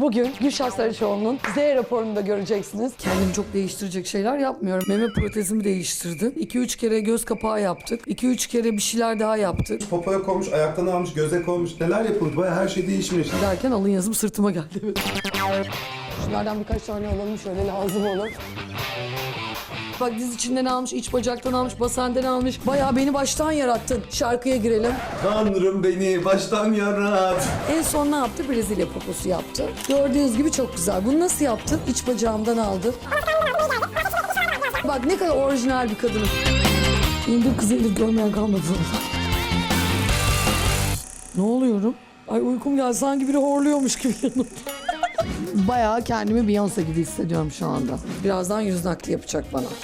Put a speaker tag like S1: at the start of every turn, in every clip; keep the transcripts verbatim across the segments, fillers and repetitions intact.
S1: Bugün Gülşah Saraçoğlu'nun Z raporunu da göreceksiniz. Kendimi çok değiştirecek şeyler yapmıyorum. Meme protezimi değiştirdim. iki üç kere göz kapağı yaptık. iki üç kere bir şeyler daha yaptık.
S2: Popoya koymuş, ayaktan almış, göze koymuş. Neler yapılmış? Bayağı her şey değişmiş.
S1: Derken alın yazım sırtıma geldi. Evet. Şunlardan birkaç tane alalım, şöyle lazım olur. Bak diz içinden almış, iç bacaktan almış, basenden almış. Bayağı beni baştan yarattın. Şarkıya girelim.
S2: Tanrım beni baştan yarat.
S1: En son ne yaptı? Brezilya poposu yaptı. Gördüğünüz gibi çok güzel. Bunu nasıl yaptı? İç bacağımdan aldı. Bak ne kadar orijinal bir kadınım. İndir kızı indir, görmeyen kalmadı zaten. Ne oluyorum? Ay uykum geldi, sanki biri horluyormuş gibi yanımda. Bayağı kendimi Beyoncé gibi hissediyorum şu anda. Birazdan yüz nakli yapacak bana.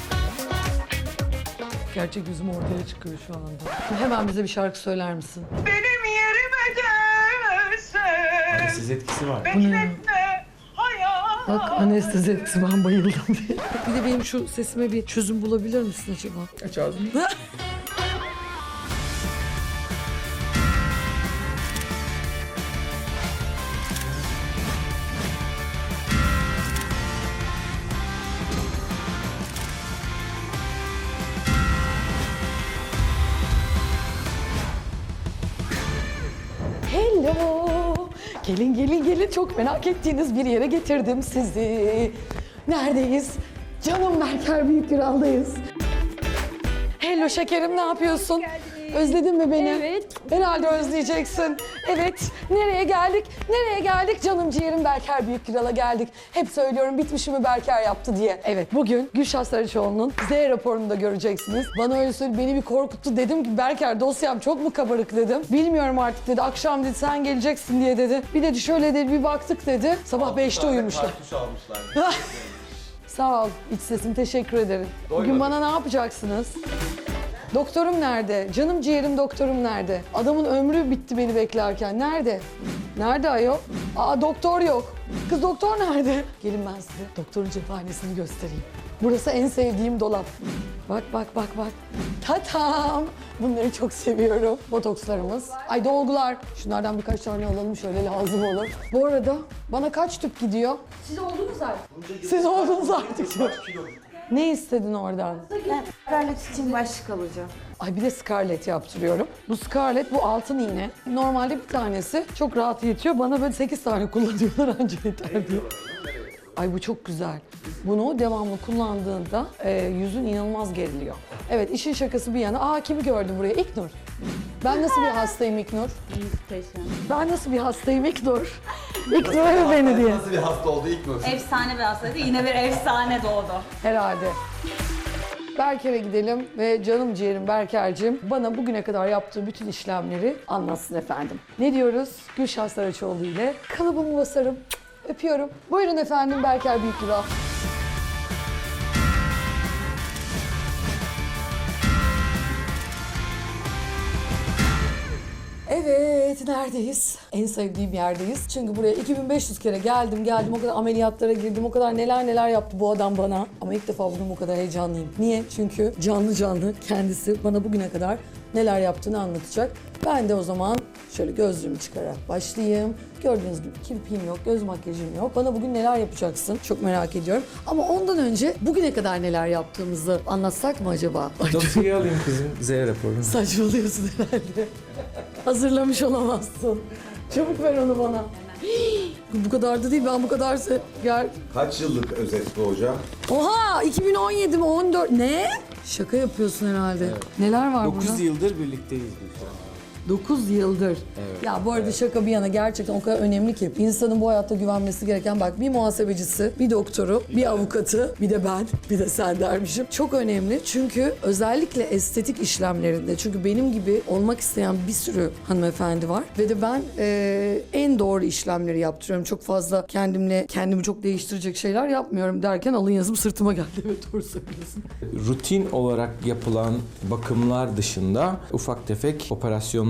S1: Gerçek yüzüm ortaya çıkıyor şu anda. Hemen bize bir şarkı söyler misin?
S3: Benim yerime gelse.
S4: Anestezi etkisi var.
S3: Bekletme hayat.
S1: Bak anestezi etkisi, ben bayıldım diye. Bir de benim şu sesime bir çözüm bulabilir misin acaba?
S2: Aç ağzını.
S1: Hello. Gelin gelin gelin, çok merak ettiğiniz bir yere getirdim sizi. Neredeyiz? Canım Berker Büyüküral'dayız. Hello şekerim, ne yapıyorsun? Özledin mi beni?
S5: Evet.
S1: Herhalde özleyeceksin. Evet. Nereye geldik? Nereye geldik? Canım ciğerim Berker Büyüküral'a geldik. Hep söylüyorum, bitmişimi Berker yaptı diye. Evet, bugün Gülşah Saraçoğlu'nun Z raporunu da göreceksiniz. Bana öyle söyledi, beni bir korkuttu. Dedim ki Berker, dosyam çok mu kabarık dedim. Bilmiyorum artık dedi. Akşam dedi sen geleceksin diye dedi. Bir dedi şöyle dedi, bir baktık dedi. Sabah beşte uyumuşlar. Sağ ol iç sesim, teşekkür ederim. Bugün bana ne yapacaksınız? Doktorum nerede? Canım ciğerim doktorum nerede? Adamın ömrü bitti beni beklerken. Nerede? Nerede ayol? Aa doktor yok. Kız doktor nerede? Gelin ben size doktorun cephanesini göstereyim. Burası en sevdiğim dolap. Bak bak bak bak. Tatam. Bunları çok seviyorum. Botokslarımız. Ay dolgular. Şunlardan birkaç tane alalım, şöyle lazım olur. Bu arada bana kaç tüp gidiyor?
S5: Siz oldunuz artık.
S1: Siz oldunuz artık. Ne istedin oradan?
S5: Ben Scarlett için başlık alacağım.
S1: Ay bir de Scarlett yaptırıyorum. Bu Scarlett, bu altın iğne. Normalde bir tanesi çok rahat yetiyor. Bana böyle sekiz tane kullanıyorlar, anca yeter diye. Ay bu çok güzel. Bunu devamlı kullandığında e, yüzün inanılmaz geriliyor. Evet, işin şakası bir yana. Aa kimi gördüm buraya? İknur. Ben nasıl bir hastayım İknur? Ben nasıl bir hastayım İknur? İknur öyle beni diye.
S2: Nasıl bir hasta oldu ilk mi?
S5: Efsane bir hastaydı. Yine bir efsane doğdu.
S1: Herhalde. Berker'e gidelim ve canım ciğerim Berker'cim bana bugüne kadar yaptığı bütün işlemleri anlatsın efendim. Ne diyoruz? Gülşah Saraçoğlu ile kalıbımı basarım. Öpüyorum. Buyurun efendim Berker Büyüküral. Evet, neredeyiz? En sevdiğim yerdeyiz. Çünkü buraya iki bin beş yüz kere geldim, geldim. O kadar ameliyatlara girdim, o kadar neler neler yaptı bu adam bana. Ama ilk defa bugün bu kadar heyecanlıyım. Niye? Çünkü canlı canlı kendisi bana bugüne kadar neler yaptığını anlatacak. Ben de o zaman şöyle gözlüğümü çıkararak başlayayım. Gördüğünüz gibi kirpiğim yok, göz makyajım yok. Bana bugün neler yapacaksın? Çok merak ediyorum. Ama ondan önce bugüne kadar neler yaptığımızı anlatsak mı acaba?
S4: Dosyayı alayım kızım, Z raporunu.
S1: Saçmalıyorsun herhalde. Hazırlamış olamazsın. Çabuk ver onu bana. Hii, bu kadar da değil, ben bu kadar se- gel.
S2: Kaç yıllık özet bu hocam?
S1: Oha, iki bin on yedi mi on dört? Ne? Şaka yapıyorsun herhalde. Neler var burada?
S4: dokuz yıldır birlikteyiz biz şu an.
S1: dokuz yıldır.
S4: Evet,
S1: Ya bu arada şaka bir yana gerçekten o kadar önemli ki insanın bu hayatta güvenmesi gereken, bak bir muhasebecisi, bir doktoru, bir avukatı, bir de ben, bir de sen dermişim. Çok önemli çünkü özellikle estetik işlemlerinde, çünkü benim gibi olmak isteyen bir sürü hanımefendi var ve de ben e, en doğru işlemleri yaptırıyorum. Çok fazla kendimle kendimi çok değiştirecek şeyler yapmıyorum derken alın yazım sırtıma geldi. Evet doğru söylüyorsun.
S4: Rutin olarak yapılan bakımlar dışında ufak tefek operasyonlar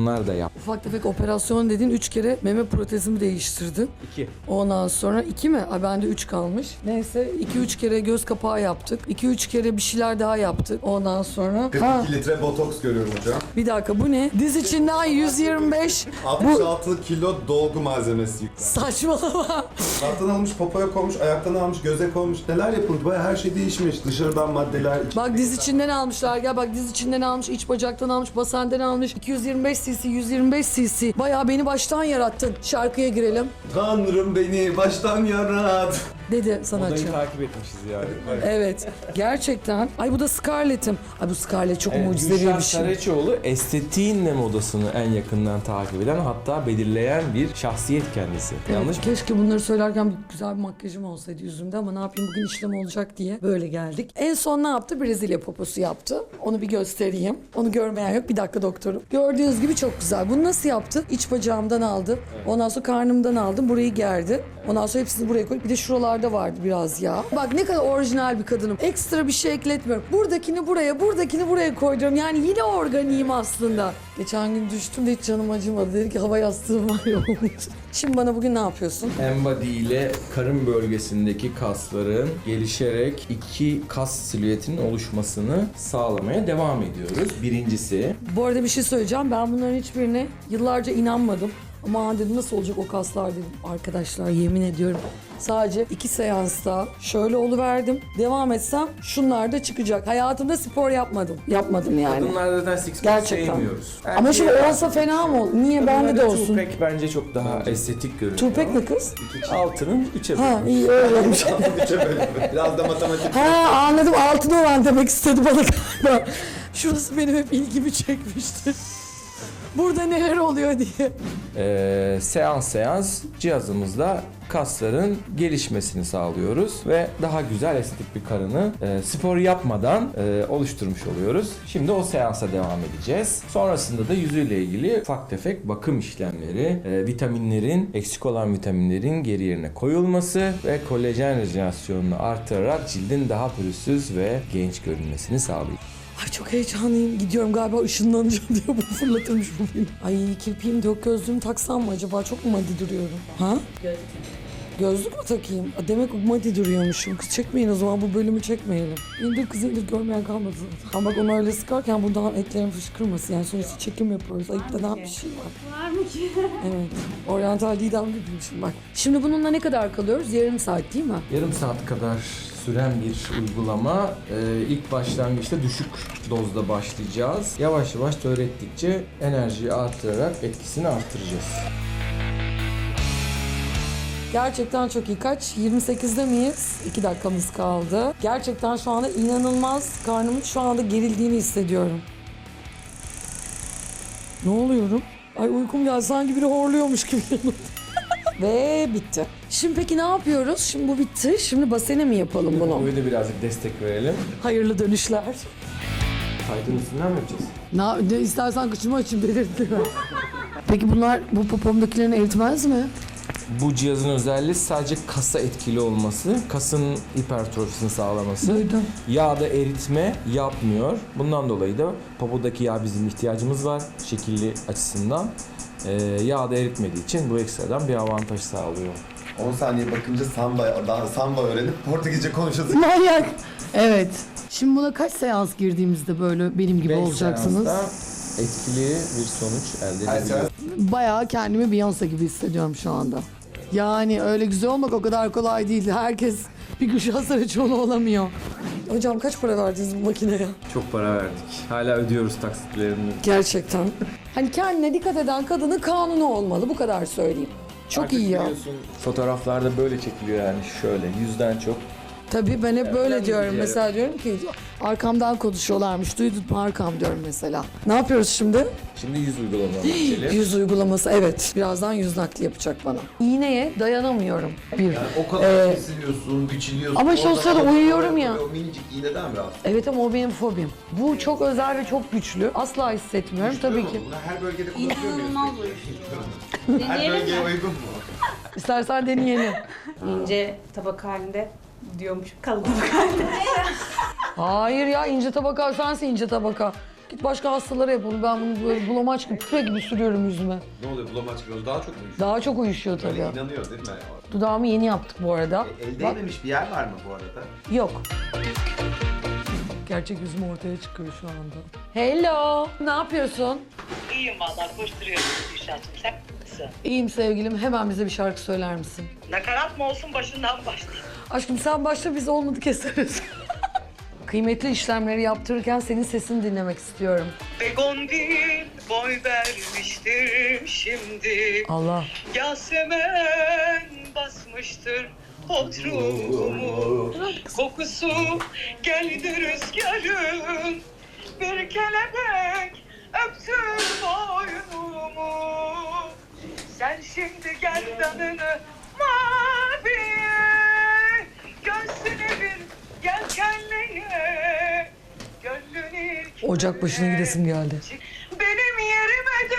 S6: operasyonlar da yap.
S1: Ufak tefek operasyon dediğin üç kere meme protezimi değiştirdim.
S6: İki.
S1: Ondan sonra iki mi? Ay bende üç kalmış. Neyse iki üç kere göz kapağı yaptık. iki üç kere bir şeyler daha yaptık. Ondan sonra...
S2: kırk
S1: Ha,
S2: iki litre botoks görüyorum hocam.
S1: bir dakika bu ne? Diz içinden yüz yirmi beş.
S2: altmış
S1: Bu
S2: altı kilo dolgu malzemesi yüklen.
S1: saçmalama.
S2: Alttan almış, popoya koymuş, ayaktan almış, göze koymuş. Neler yapılmış? Bayağı her şey değişmiş. Dışarıdan maddeler.
S1: Bak diz içinden almışlar. Gel bak diz içinden almış, iç bacaktan almış, basenden almış. iki yüz yirmi beş cc, yüz yirmi beş cc. Bayağı beni baştan yarattın. Şarkıya girelim.
S2: Tanrım beni baştan yarat.
S1: Dedi sanatçı.
S4: Odayı takip etmişiz yani.
S1: Evet. Gerçekten. Ay bu da Scarlett'im. Ay bu Scarlett çok mucizevi
S6: Gülşen
S1: bir şey.
S6: Saraçoğlu estetiğinle modasını en yakından takip eden, hatta belirleyen bir şahsiyet kendisi. Yanlış mı?
S1: Keşke bunları söylerken bir güzel bir makyajım olsaydı yüzümde ama ne yapayım bugün işlem olacak diye böyle geldik. En son ne yaptı? Brezilya poposu yaptı. Onu bir göstereyim. Onu görmeyen yok. Bir dakika doktorum. Gördüğünüz gibi çok güzel. Bunu nasıl yaptı? İç bacağımdan aldı. Ondan sonra karnımdan aldım. Burayı gerdi. Ondan sonra hepsini buraya koyduk. Bir de şuralarda vardı biraz yağ. Bak ne kadar orijinal bir kadınım. Ekstra bir şey ekletmiyorum. Buradakini buraya, buradakini buraya koydum. Yani yine organiyim aslında. Geçen gün düştüm de hiç canım acımadı. Dedi ki hava yastığım var ya olmuş. Şimdi bana bugün ne yapıyorsun?
S6: Embody ile karın bölgesindeki kasların gelişerek iki kas silüetinin oluşmasını sağlamaya devam ediyoruz. Birincisi,
S1: Bu arada bir şey söyleyeceğim. Ben bunların hiçbirine yıllarca inanmadım. Ama dedim nasıl olacak o kaslar dedim. Arkadaşlar yemin ediyorum. Sadece iki seansta şöyle oluverdim. Devam etsem şunlar da çıkacak. Hayatımda spor yapmadım. Yapmadım yani.
S6: kadınlarda zaten six pack
S1: Gerçekten.
S6: sevmiyoruz.
S1: Ama şimdi
S6: Erkeğe-
S1: olsa fena mı olur? Niye bende de
S6: Kadınlarda
S1: olsun?
S6: Two-pack bence çok daha estetik görünüyor.
S1: Tupek ne kız?
S6: Altının üçe
S1: Ha
S6: bölünmüş.
S1: iyi öyle olmuş.
S2: Biraz da matematik.
S1: Ha anladım altın olan demek istedi bana galiba. Şurası benim hep ilgimi çekmişti. Burada neler oluyor diye.
S6: Ee, seans seans cihazımızla kasların gelişmesini sağlıyoruz ve daha güzel estetik bir karını e, spor yapmadan e, oluşturmuş oluyoruz. Şimdi o seansa devam edeceğiz. Sonrasında da yüzüyle ilgili ufak tefek bakım işlemleri, e, vitaminlerin, eksik olan vitaminlerin geri yerine koyulması ve kolajen rejenerasyonunu artırarak cildin daha pürüzsüz ve genç görünmesini sağlıyor.
S1: Ay çok heyecanlıyım. Gidiyorum galiba ışınlanacağım diye bu fırlatırmış bu beni. Ay kirpiğim de yok, gözlüğümü taksam mı acaba? Çok mu madi duruyorum? Ha? Gözlük. Gözlük mü takayım? Aa, demek madi duruyormuşum. Kız çekmeyin o zaman, bu bölümü çekmeyelim. İndir kız indir, görmeyen kalmadı zaten. Ama bak onu öyle sıkarken buradan etlerim fışkırmasın. Yani sonuçta çekim yapıyoruz. Ayıp denen bir şey var.
S5: Var mı ki?
S1: Evet. Oryantal Didem gibiyim şimdi bak. Şimdi bununla ne kadar kalıyoruz? Yarım saat değil mi?
S6: Yarım saat kadar süren bir uygulama. Ee, ilk başlangıçta düşük dozda başlayacağız. Yavaş yavaş öğrettikçe enerjiyi artırarak etkisini artıracağız.
S1: Gerçekten çok iyi. Kaç? yirmi sekizde miyiz? iki dakikamız kaldı. Gerçekten şu anda inanılmaz karnımın şu anda gerildiğini hissediyorum. Ne oluyorum? Ay uykum geldi. Sanki biri horluyormuş gibi. Ve bitti. Şimdi peki ne yapıyoruz? Şimdi bu bitti. Şimdi basene mi yapalım bunu?
S6: Böyle birazcık destek verelim.
S1: Hayırlı dönüşler.
S6: Kaydın üstünden mi yapacağız?
S1: Ne, ne istersen kıçımı açayım belirtme. Peki bunlar bu popomdakilerini eritmez mi?
S6: Bu cihazın özelliği sadece kasa etkili olması, kasın hipertrofisini sağlaması.
S1: Duydum.
S6: Yağda eritme yapmıyor. Bundan dolayı da popodaki yağ bizim ihtiyacımız var şekilli açısından. Ee, yağda eritmediği için bu ekstradan bir avantaj sağlıyor.
S2: on saniye bakınca samba, daha samba öğrenip Portekizce konuşasın.
S1: Manyak. Evet. Şimdi buna kaç seans girdiğimizde böyle benim gibi
S6: Beş
S1: olacaksınız?
S6: seansta etkili bir sonuç elde
S2: Her
S6: edebiliyoruz.
S1: Bayağı kendimi Beyoncé gibi hissediyorum şu anda. Yani öyle güzel olmak o kadar kolay değil. Herkes bir Gülşen Saraçoğlu olamıyor. Hocam kaç para verdiniz bu makineye?
S6: Çok para verdik. Hala ödüyoruz taksitlerini.
S1: Gerçekten. Hani kendine dikkat eden kadının kanunu olmalı. Bu kadar söyleyeyim. Çok
S6: Artık
S1: iyi ya.
S6: biliyorsun, fotoğraflarda böyle çekiliyor yani şöyle yüzden çok.
S1: Tabii ben hep böyle
S6: önemli
S1: diyorum.
S6: bir
S1: Mesela diyorum ki arkamdan konuşuyorlarmış. Duydun mu arkam diyorum mesela. Ne yapıyoruz şimdi?
S6: Şimdi yüz uygulamalarına geçelim.
S1: Yüz uygulaması evet. Birazdan yüz nakli yapacak bana. İğneye dayanamıyorum. Bir.
S2: O kadar
S1: Ee,
S2: kesiliyorsun, biçiliyorsun.
S1: ama şu
S2: oradan
S1: sırada
S2: alıyorsun,
S1: uyuyorum
S2: oraya
S1: ya.
S2: koyuyor. O minicik iğneden mi rahatsız?
S1: Evet ama o benim fobim. Bu çok özel ve çok güçlü. Asla hissetmiyorum tabii ki.
S2: Bunu her bölgede kullanıyor muyuz?
S5: İnanılmaz
S2: peki?
S5: uyuşturucu.
S2: Her
S5: Deneyelim
S2: bölgeye
S5: mi?
S2: uygun mu?
S1: İstersen deneyelim.
S5: İnce tabak halinde diyormuş kalın tabak halinde.
S1: Hayır ya ince tabaka sensin ince tabaka. Git başka hastalara yap onu. Ben bunu böyle bulamaç gibi, küpe gibi sürüyorum yüzüme.
S2: Ne oluyor bulamaç gibi daha çok mu uyuşuyor?
S1: Daha çok uyuşuyor tabii.
S2: Böyle inanıyor değil mi?
S1: Dudağımı yeni yaptık bu arada.
S2: E, el
S1: Bak,
S2: değmemiş bir yer var mı bu arada?
S1: yok. Gerçek yüzüm ortaya çıkıyor şu anda. Hello, ne yapıyorsun?
S3: İyiyim valla koşturuyorum Gülşah'cığım. Sen nasılsın?
S1: İyiyim sevgilim. Hemen bize bir şarkı söyler misin?
S3: Nakarat mı olsun başından başlayayım.
S1: Aşkım sen başla, biz olmadı keseriz. Kıymetli işlemleri yaptırırken senin sesini dinlemek istiyorum.
S3: Begondil boy vermiştir şimdi.
S1: Allah.
S3: Yasemen basmıştır bodrumu. Kokusu geldi rüzgarın. Bir kelebek öptü boynumu. Sen şimdi gerdanını maviye, göğsüne bir yelkenleye, gönlün ilk
S1: Ocak başına gidesim geldi.
S3: benim yerime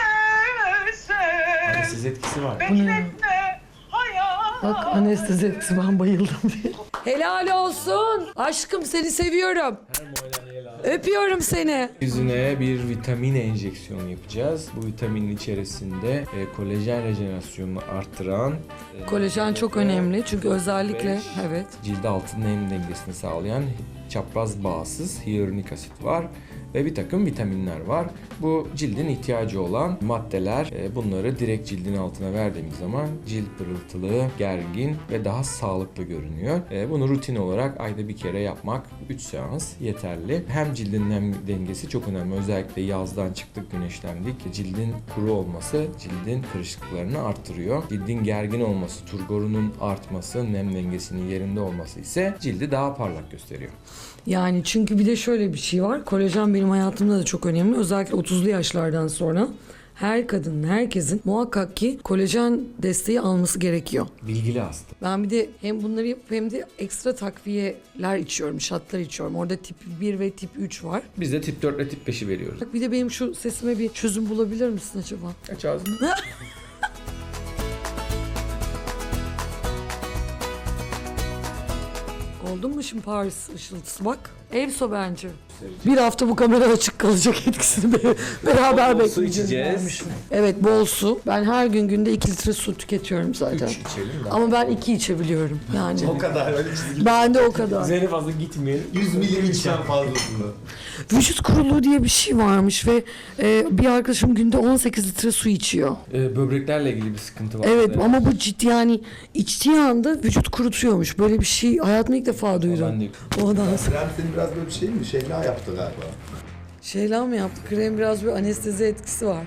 S3: gelse.
S4: Siz etkisi var.
S3: Bekletme hayat.
S1: Bak anestezi etkisi, ben bayıldım diye. Helal olsun. Aşkım seni seviyorum. Öpüyorum seni.
S6: Yüzüne bir vitamin enjeksiyonu yapacağız. Bu vitaminin içerisinde e, kolajen rejenerasyonunu arttıran, e,
S1: Kolajen çok önemli çünkü özellikle
S6: beş,
S1: evet.
S6: cilde altın nem dengesini sağlayan çapraz bağsız hyaluronik asit var ve bir takım vitaminler var. Bu cildin ihtiyacı olan maddeler. E, bunları direkt cildin altına verdiğimiz zaman cilt pırıltılı, gergin ve daha sağlıklı görünüyor. E, bunu rutin olarak ayda bir kere yapmak üç seans yeterli. Hem cildin nem dengesi çok önemli. Özellikle yazdan çıktık, güneşlendik. Cildin kuru olması cildin kırışıklıklarını arttırıyor. Cildin gergin olması, turgorunun artması, nem dengesinin yerinde olması ise cildi daha parlak gösteriyor.
S1: Yani çünkü bir de şöyle bir şey var. Kolajen benim hayatımda da çok önemli. Özellikle otuzlu yaşlardan sonra her kadının, herkesin muhakkak ki kolajen desteği alması gerekiyor.
S6: Bilgili hasta.
S1: Ben bir de hem bunları yapıp hem de ekstra takviyeler içiyorum, şatlar içiyorum. Orada tip bir ve tip üç var.
S6: Biz de tip dört ile tip beşi veriyoruz.
S1: Bak bir de benim şu sesime bir çözüm bulabilir misin acaba?
S6: Aç ağzını.
S1: Oldun mu şimdi Paris ışıltısı bak. Evso bence. Bir hafta bu kamera açık kalacak, etkisini be- beraber
S6: Bol su
S1: bekleyeceğiz.
S6: içeceğiz.
S1: Evet, bol su. Ben her gün günde iki litre su tüketiyorum zaten.
S6: Üç içelim de.
S1: Ama ben iki içebiliyorum yani.
S2: O kadar öyle çizgi.
S1: Ben de o kadar.
S4: Üzerine fazla gitmeyelim.
S2: yüz milim içen fazlasını.
S1: Vücut kuruluğu diye bir şey varmış ve e, bir arkadaşım günde on sekiz litre su içiyor.
S6: Ee, böbreklerle ilgili bir sıkıntı var.
S1: Evet ama bu ciddi, yani içtiği anda vücut kurutuyormuş. Böyle bir şey hayatımda ilk defa
S6: Ben
S1: duydum.
S6: de
S1: Ondan sonra
S2: Krem senin biraz böyle bir şey mi? Şeyla yaptı galiba.
S1: şeyler mi yaptı? Krem biraz bir anestezi etkisi var.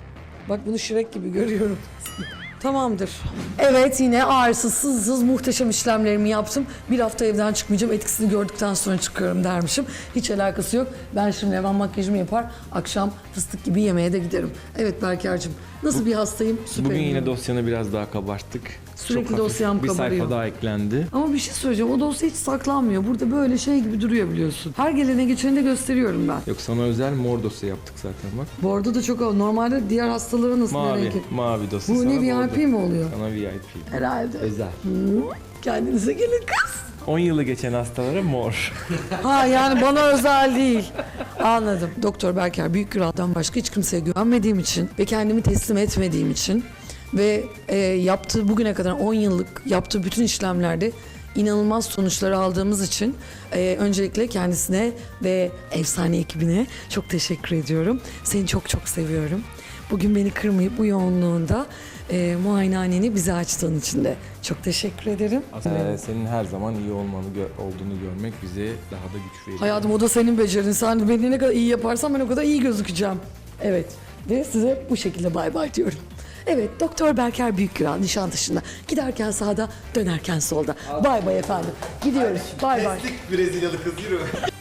S1: Bak bunu Shrek gibi görüyorum. Tamamdır. Evet, yine ağrısız, sızsız muhteşem işlemlerimi yaptım. Bir hafta evden çıkmayacağım. Etkisini gördükten sonra çıkıyorum dermişim. Hiç alakası yok. Ben şimdi hemen makyajımı yapar, akşam fıstık gibi yemeğe de giderim. Evet Berker'cim, nasıl bir hastayım? Süperim.
S6: Bugün yine dosyanı biraz daha kabarttık.
S1: Sürekli
S6: Çok hafif
S1: dosyam
S6: bir
S1: kabarıyor.
S6: sayfa daha eklendi.
S1: Ama bir şey söyleyeceğim. O dosya hiç saklanmıyor. Burada böyle şey gibi duruyor biliyorsun. Her gelene geçeni de gösteriyorum ben.
S6: Yok, sana özel mor dosya yaptık zaten bak.
S1: Bordo da çok... Normalde diğer hastalara nasıl bir
S6: Mavi,
S1: renk?
S6: mavi dosya.
S1: Bu
S6: sana
S1: ne, V I
S6: bordo.
S1: P mi oluyor?
S6: Sana V I P.
S1: Herhalde.
S6: Özel.
S1: Kendinize gelin kız.
S6: on yılı geçen hastalara mor.
S1: Ha yani bana özel değil. Anladım. Doktor Berker Büyükgüral'dan başka hiç kimseye güvenmediğim için ve kendimi teslim etmediğim için ve e, yaptığı bugüne kadar on yıllık yaptığı bütün işlemlerde inanılmaz sonuçları aldığımız için e, öncelikle kendisine ve efsane ekibine çok teşekkür ediyorum. Seni çok çok seviyorum. Bugün beni kırmayıp bu yoğunluğunda e, muayenehaneni bize açtığın için de çok teşekkür ederim.
S6: Ee, senin her zaman iyi olmanı gö- olduğunu görmek bize daha da güç veriyor.
S1: Hayatım o da senin becerin. Sen beni ne kadar iyi yaparsan ben o kadar iyi gözükeceğim. Evet. Ve size bu şekilde bay bay diyorum. Evet, Doktor Berker Büyükgüral Nişantaşı'nda. Giderken sağda, dönerken solda. Bay bay efendim. Gidiyoruz. Bay bay.
S2: Brezilyalı kız yürü.